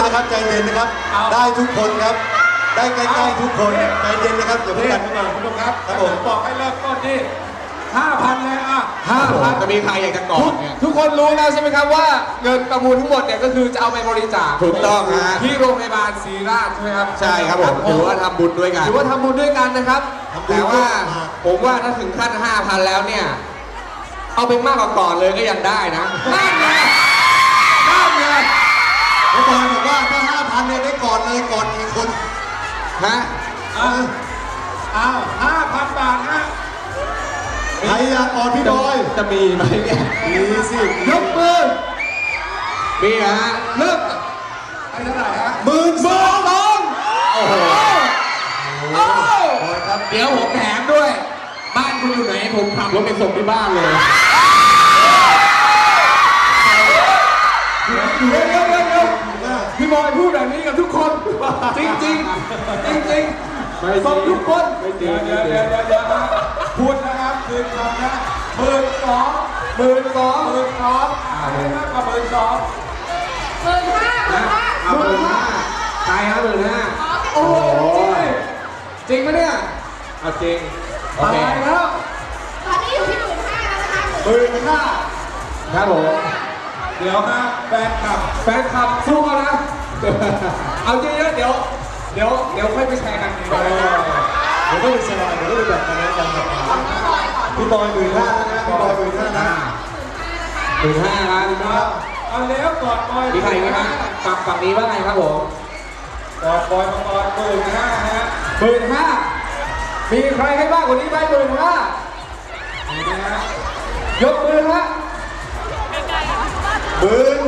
นะครับใจเย็นนะครับได้ทุกคนครับได้ใกล้ๆทุกคนใจเย็นนะครับอย่าเพิ่งดันขึ้นมาคุณผู้ชมครับครับผมบอกให้เริ่มต้นที่ 5,000 เลยอ่ะจะมีใครอยากจะกอดเนี่ยทุกคนรู้แล้วใช่ไหมครับว่าเงินประมูลทั้งหมดเนี่ยก็คือจะเอาไปบริจาคถูกต้องฮะที่โรงพยาบาลศรีราชใช่ไหมครับใช่ครับผมถือว่าทำบุญด้วยกันถือว่าทำบุญด้วยกันนะครับแต่ว่าผมว่าถ้าถึงขั้น 5,000 แล้วเนี่ย เอาไปมากกว่าก่อนเลยก็ยังได้นะนั่นไงนั่นไงแล้วบอยบอกว่าถ้า 5,000 เนี่ยได้กอดเลยกอดกี่คนฮะอ้าว 5,000 บาทฮะใครอยากกอดพี่บอยจะมีไหมเนี่ยมีสิยกมือมีฮะเลิกไอ้เท่าไหร่ฮะ 12,000 โอ้โหโอ้บอยครับเดี๋ยวผมแถมด้วย บ้านคุณอยู่ไหนผมขับรถไปส่งที่บ้านเลยเดี๋ยวพี่บอยพูดแบบนี้กับทุกคน จริงจริงจริงๆส่งทุกคนเดี๋ยวพูดนะครับคืนคำนะ12,000 ให้มากกว่า12,000 เอา15,000ใครฮะ15,000 โอ้โหจริงไหมเนี่ยเอาจริง โอตาเคยแล้วตอนนี้อยู่ที่15,000แล้วนะคะ 15,000 ครับผมเดี๋ยวฮะแฟนคลับแฟนคลับสู้กันนะ เอาเยอะๆเดี๋ยวค่อยไปแชร์กันเดี๋ยวก็เป็นสบายเดี๋ยวก็เป็นแบบนั้นกันครับพี่บอย15,000นะพี่บอย15,000นะ 15,000ครับเอาแล้วกอดบอยมีใครไหมครับฝั่งนี้ว่าไงครับผมกอดบอยมาก่อน15,000ฮะ 15,000มีใครให้มากกว่านี้ไหม15,000 นี่นะฮะยกมือฮะ 15,000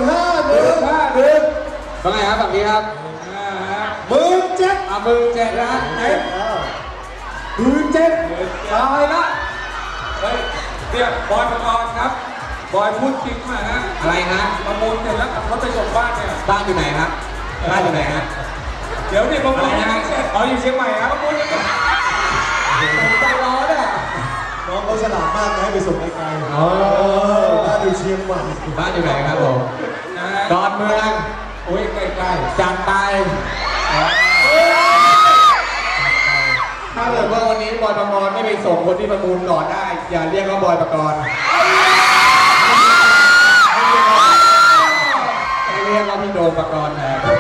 ว่าไงครับฝั่งนี้ครับ 17,000 17,000นะ17,000ตายละเฮ้ยเรียกบอยมาก่อนครับ บอยพูดจริงมาฮะอะไรฮะประมูลเสร็จแล้วขับรถไปส่งบ้านเนี่ยบ้านอยู่ไหนครับ บ้านอยู่ไหนฮะเดี๋ยวนี่ประมูลยังไม่เสร็จอ๋ออยู่เชียงใหม่ครับประมูลยังไม่ผมใจร้อนอ่ะน้องเขาฉลาดมากนะให้ไปส่งไกลๆอ๋อบ้านอยู่เชียงใหม่บ้านอยู่ไหนครับผมนะฮะดอนเมืองโอ้ยใกล้จัดไป ถ้าเกิดว่าวันนี้บอยประกรณ์ไม่ไปส่งคนที่ประมูลก่อนได้ อย่าเรียกว่าบอยประกรณ์ให้เรียกว่าพี่โดมประกรณ์แทนๆ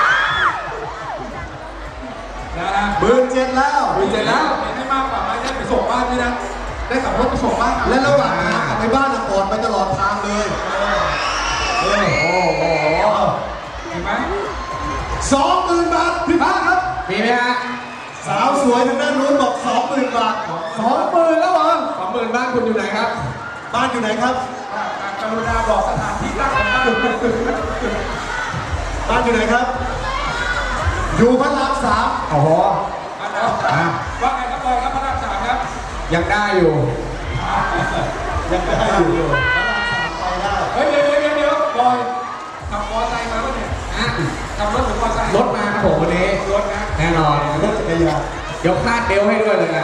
นะฮะ 17,000แล้ว 17,000แล้วเห็นได้มากกว่าไหมได้ไปส่งบ้านด้วยนะได้ขับรถไปส่งบ้านและระหว่างทางกลับไปบ้านกอดไปตลอดทางเลยเห็นไหม 20,000 บาทพี่พาครับมีไหมฮะสาวสวยทางด้านนู้นบอก 20,000 บาท 20,000แล้วเหรอ 20,000บ้านคุณอยู่ไหนครับบ้านอยู่ไหนครับกรุณาบอกสถานที่ตั้งของบ้านบ้านอยู่ไหนครับ อยู่พระราม3 โอ้โหว่าไงครับบอยครับพระราม3ครับยังได้อยู่ยังได้อยู่พระราม3ไปได้เฮ้ยเดี๋ยวบอยขับมอเตอร์ไซค์มาป่ะเนี่ยอ่ะขับรถหรือมอเตอร์ไซค์รถมาครับผมวันนี้รถนะแน่นอนรถจักรยานเดี๋ยวคาดเบลต์ให้ด้วยเลยนะ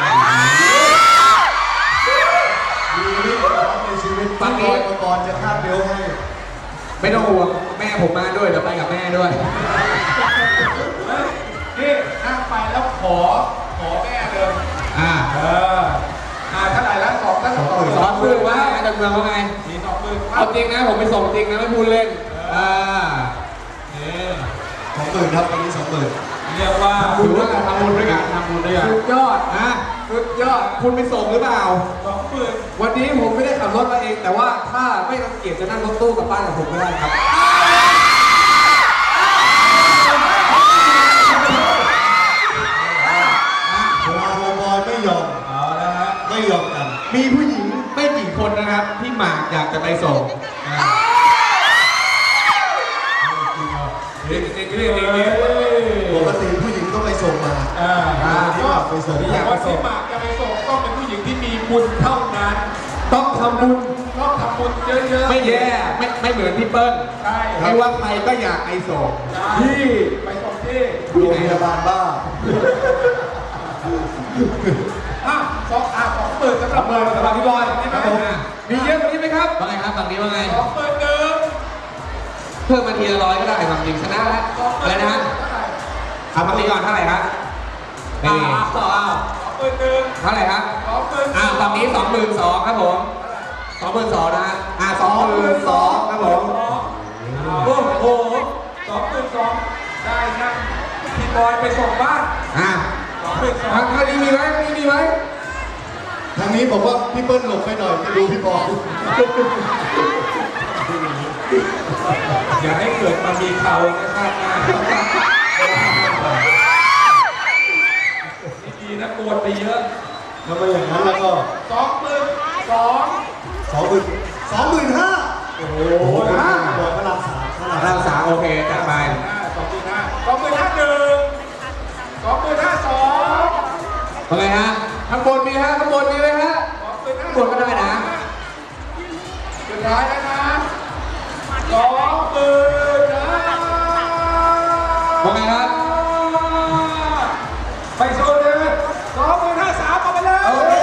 มีเรื่องร้อนในชีวิตพี่บอยประกรณ์จะคาดเบลต์ให้ไม่ต้องห่วงแม่ผมมาด้วยเดี๋ยวไปกับแม่ด้วยเฮ้ยนี่นั่งไปแล้วขอแม่เลยอ่าเท่าไหร่แล้ว2ท่าน2 20,000ว่าอาจารย์เมืองว่าไงมี20,000 เอาจริงนะผมไปส่งจริงนะไม่พูดเล่น 20,000ครับวันนี้ 20,000 เรียกว่าถือว่าการทำบุญด้วยกันทำบุญด้วยกันสุดยอดนะสุดยอดคุณไปส่งหรือเปล่า 20,000 วันนี้ผมไม่ได้ขับรถมาเอง แต่ว่าถ้าไม่รังเกียจจะนั่งรถตู้กลับบ้านกับผมก็ได้ครับบอยไม่ยอมเอาละฮะไม่ยอมกันมีผู้หญิงไม่กี่คนนะครับ ที่หมากอยากจะไปส่งนี่ปกติผู้หญิงต้องไปส่งมาที่หมากไปส่งอยากว่าที่หมากจะไปส่งต้องเป็นผู้หญิงที่มีบุญเท่านั้นต้องทำบุญต้องทำบุญเยอะๆไม่แย่ไม่เหมือนพี่เปิ้ลใช่ไม่ว่าใครก็อยากไปส่งที่ไปส่งที่โรงพยาบาลบ้า 20,000สำหรับเบอร์สำหรับพี่บอยใช่ไหมมีเยอะกว่านี้ไหมครับว่าไงครับฝั่งนี้ว่าไง 20,000 เพิ่มมาทีละ100ก็ได้ความจริงชนะแล้วอะไรนะฮะเอาฝั่งนี้ก่อนเท่าไหร่ครับนี่ เท่าไหร่ครับฝั่งนี้22,000ครับผม22,000นะฮะ22,000ครับผมโอ้โห2,200ได้นะพี่บอยไปส่งบ้าน 2,200 ทางนี้มีไหมมีไหมทางนี้บอกว่าพี่เปิ้ลหลบไปหน่อยจะดูพี่บอยอย่าให้เกิดมามีเขานะครับดีนะกวนไปเยอะถ้าไม่อย่างนั้นแล้วก็ 25,000โอ้โหบอยพระราม3 เราสามโอเคจัดไป 25,000 ว่าไงฮะข้างบนมีฮะข้างบนมีไหมฮะกดก็ได้นะสุดท้ายแล้วนะ20,000นะว่าไงครับไปโซนเลย25,300เอาไปเลย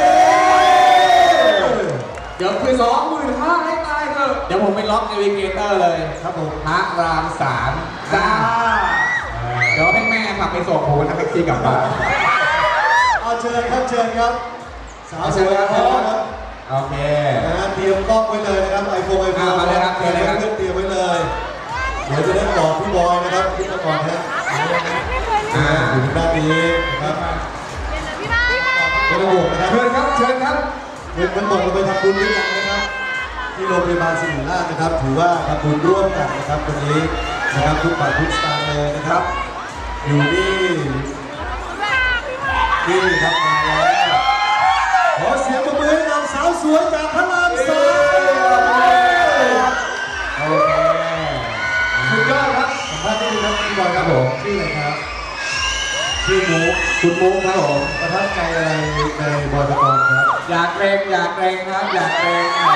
เดี๋ยวคือ25,000ให้ตายเถอะเดี๋ยวผมไปล็อกในวิเกเตอร์เลยครับผมพระราม3จ้าเดี๋ยวให้แม่ขับไปส่งผมนั่งแท็กซี่กลับบ้านเอาเชิญครับเชิญครับสาวสวยครับโอเคเตรียมกล้องไว้เลยนะครับไอโฟนมาเลยครับเตรียมไว้เตรียมไว้เลย เดี๋ยวจะได้บอกพี่บอยนะครับพี่ตะกอนนะอยู่ด้านนี้นะครับไม่ต้องห่วงนะครับเชิญครับเชิญครับเงินมันตกลงไปทำบุญหรือยังนะครับ ที่โรงพยาบาลศิริราชนะครับ ถือว่าทำบุญร่วมกันนะครับวันนี้นะครับทุกบาททุกสตางค์เลยนะครับ อยู่นี่ครับมาแล้วขอเสียงปรบมือให้กับสาวสวยจากพระราม3โอเคสุดยอดครับสัมภาษณ์นิดนึงครับพี่บอยครับผมชื่ออะไรครับชื่อมุกคุณมุกครับผมประทับใจอะไรในบอยปกรณ์ครับอยากเรงครับอยากเรง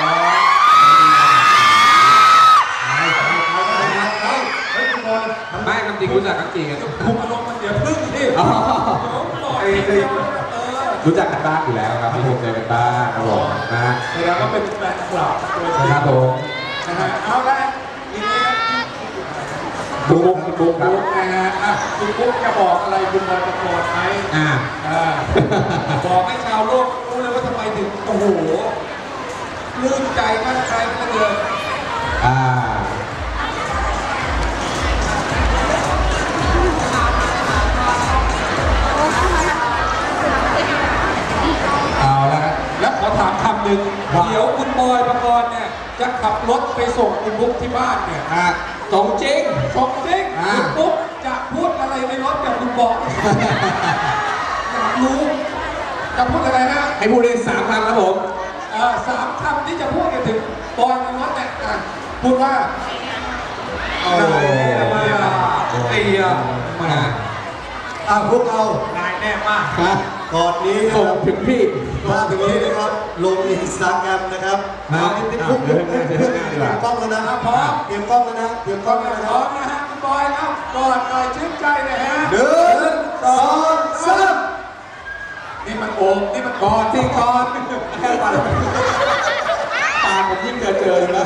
เฮ้ยคุณบอยไม่คำจริงรู้จักคำจริงคุมอารมณ์มันเดี๋ยวพึ่งที่รู้จักกันบ้างอยู่แล้วครับที่ผมเจอกันบ้างครับผมนะฮะแสดงว่าเป็นแฟนคลับตัวจริงครับผมนะฮะเอาละทีนี้นะบุ๊กครับบุ๊กนะฮะคุณบุ๊กจะบอกอะไรคุณบอยประกอบไหมบอกให้ชาวโลกรู้เลยว่าทำไมถึงโอ้โหลื่นใจมั่นใจกันเลยเอาละครับแล้วขอถามคำหนึ่งเดี๋ยวคุณบอยประกรณ์เนี่ยจะขับรถไปส่งคุณบุ๊กที่บ้านเนี่ยตรงจริงชมจริงคุณบุ๊กจะพูดอะไรในรถกับคุณบอกอยากรู้จะพูดอะไรนะให้พูดได้3 คำครับผม 3 คำที่จะพูดกันถึงบอยในรถเนี่ยพูดว่าโอ้เตียมาพวกเรานายแน่มากก่อนนี้นะส่งครับถึงพี่มาถึงนี้นะครับลงอินสตาแกรมนะครับมาเตรียมกล้องแล้วนะเตรียมกล้องแล้วนะเตรียมกล้องแล้วนะพร้อมนะฮะคุณบอยครับกอดหน่อยชื่นใจหน่อยฮะ 1 2 3 นี่มันโอมนี่มันกอดที่กอดแค่ปัดตาผมยิ่งเจอแล้ว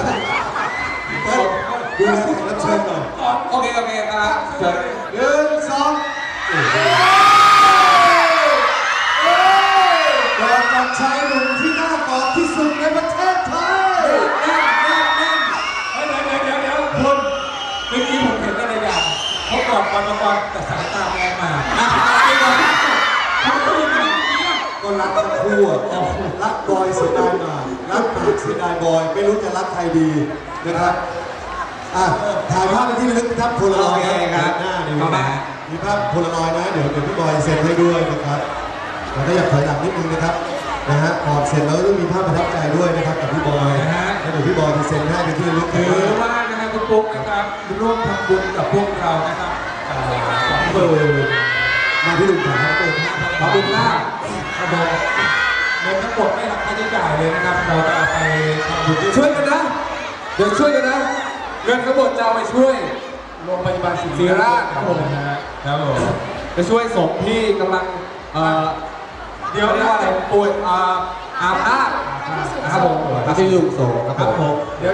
ดูแลแขกรับเชิญหน่อยโอเคครับเชิญ 1 2กอดกับชายหนุ่มที่น่ากอดที่สุดในประเทศไทยเดี๋ยวคุณเมื่อกี้ผมเห็นอะไรอย่างเขากอดกันมาก่อนแต่สายตามองมาเขาพูดอย่างนี้ก็รักทั้งคู่อะรักบอยเสียดายหมากรักหมากเสียดายบอย ไม่รู้จะรักใครดีนะครับถ่ายภาพเป็นที่ระลึกครับโพลารอยด์ครับหน้านี่มีภาพโพลารอยด์นะเดี๋ยวพี่บอยเซ็นให้ด้วยนะครับแล้วก็อยากถอยหลังนิดนึงนะครับนะฮะก่อนเซ็นแล้วต้องมีภาพประทับใจด้วยนะครับกับพี่บอยแล้วเดี๋ยวพี่บอยจะเซ็นให้เป็นที่ระลึกถือว่านะครับคุณปุ๊กนะครับร่วมทำบุญกับพวกเรานะครับ20,000 มาพี่ลุงครับขอบคุณมากครับผมเงินทั้งหมดไม่หักค่าใช้จ่ายเลยนะครับเราจะเอาไปทำบุญช่วยกันนะ เดี๋ยวช่วยกันนะ เงินทั้งหมดจะเอาไปช่วยโรงพยาบาลศิศิริราชครับผมครับผมจะช่วยศพที่กำลังเดี๋ยวเรียกว่าอะไรป่วยอาพาธนะครับผมที่ลุงโสครับผม